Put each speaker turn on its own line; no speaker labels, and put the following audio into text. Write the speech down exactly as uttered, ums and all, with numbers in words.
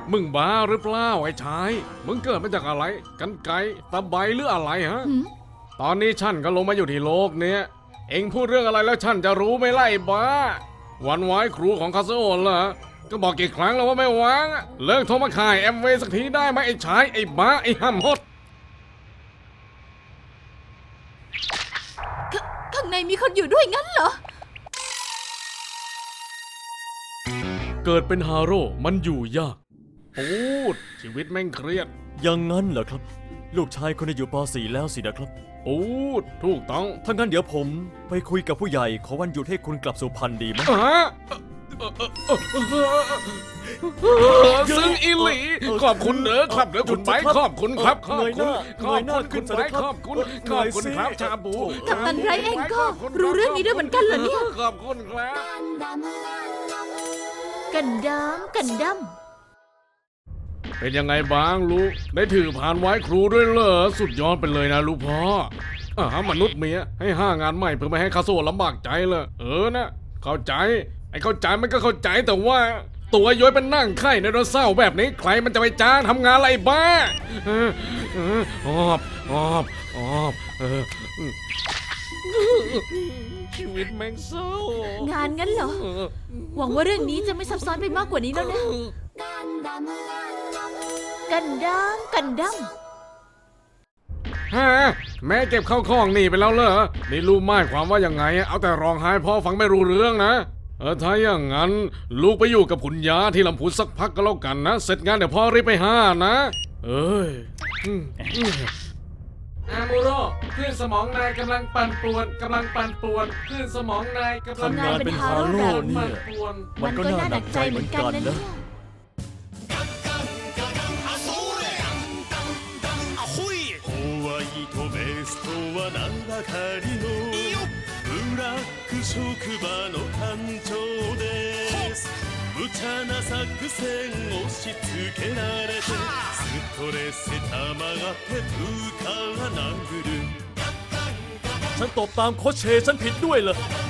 มึงบ้าหรือเปล่าไอ้ชายมึงเกิดมาจากอะไรกันไกรตะไบหรืออะไรฮะ
หืม
ตอนนี้ฉันก็ลงมาอยู่ที่โลกเนี้ยเอ็งพูดเรื่องอะไรแล้วฉันจะรู้ไหมล่ะไอ้บ้าวันไว้ครูของคาสโอนเหรอก็บอกกี่ครั้งแล้วว่าไม่วางอะเลิกโทรมาขายแอมเวย์สักทีได้ไหมไอ้ชายไอ้บ้าไอ้ห้ำฮด
ขข้างในมีคนอยู่ด้วยงั้นเหรอ
เกิดเป็นฮาโร่มันอยู่ยากปูดชีวิตแม่งเครียด
อย่างนั้นเหรอครับ ลูกชายคนนี้อยู่ป .สี่ แล้วสินะครับ
ปูดถูกต้อง
ถ้างั้นเดี๋ยวผมไปคุยกับผู้ใหญ่ขอวันหยุดให้คุณกลับสุพรรณดีไหม
ฮะซึ่งอีหลีขอบคุณเด้อครับเด้อคุณไบค์ขอบคุณครับขอบคุณขอบคุณคุณไบค์ขอบคุณขอบคุณครับชาบู
กัปตันไรเองก็รู้เรื่องนี้ด้วยเหมือนกันเหรอเนี่ย
ขอบคุณครับ
กันดามกันดั้ม
เป็นยังไงบ้างลูกได้ถือผ่านไว้ครูด้วยเหรอสุดยอดไปเลยนะลูกพ่ออ่ามนุษย์เมียให้ห้างานใหม่เพื่อไม่ให้คาโซลำบากใจเลยเออนะเข้าใจไอ้เข้าใจมันก็เข้าใจแต่ว่า ตัวย้อยเป็นนั่งไข่ในรถเศร้าแบบนี้ใครมันจะไปจ้างทำงานอะไรบ้าเออเออออบออบออบเออชีวิตแม่งเศร้าง
านงั้นเหรอ
เออ
หวังว่าเรื่องนี้จะไม่ซับซ้อนไปมากกว่านี้แล้วนะ กันดามกันดั้ม
ฮะแม่เก็บเข้าของหนีไปแล้วเหรอนี่รู้หมายความว่ายังไงเอาแต่ร้องไห้พ่อฟังไม่รู้เรื่องนะเออถ้าอย่างนั้นลูกไปอยู่กับคุณยาที่ลำพูนสักพักก็แล้วกันนะเสร็จงานเดี๋ยวพ่อรีบไปหานะเอ้ยอืมอืมอามูโร่คลื่นสมองนายกำลังปั่นป่วนกำลังปั่นป่วนคลื่นสมองนายกำลัง
ทำงานเป็นฮาโร่เนี่ย
ป่วน
มันก็น่าหนักใจเหมือนกันนะ
ホワイトベストは名ばかりのブラック職場の艦長です無茶な作戦押し付けられてストレス溜まって部下が殴る
ฉันตบตามโคชเชฉันผิดด้วยเหรอ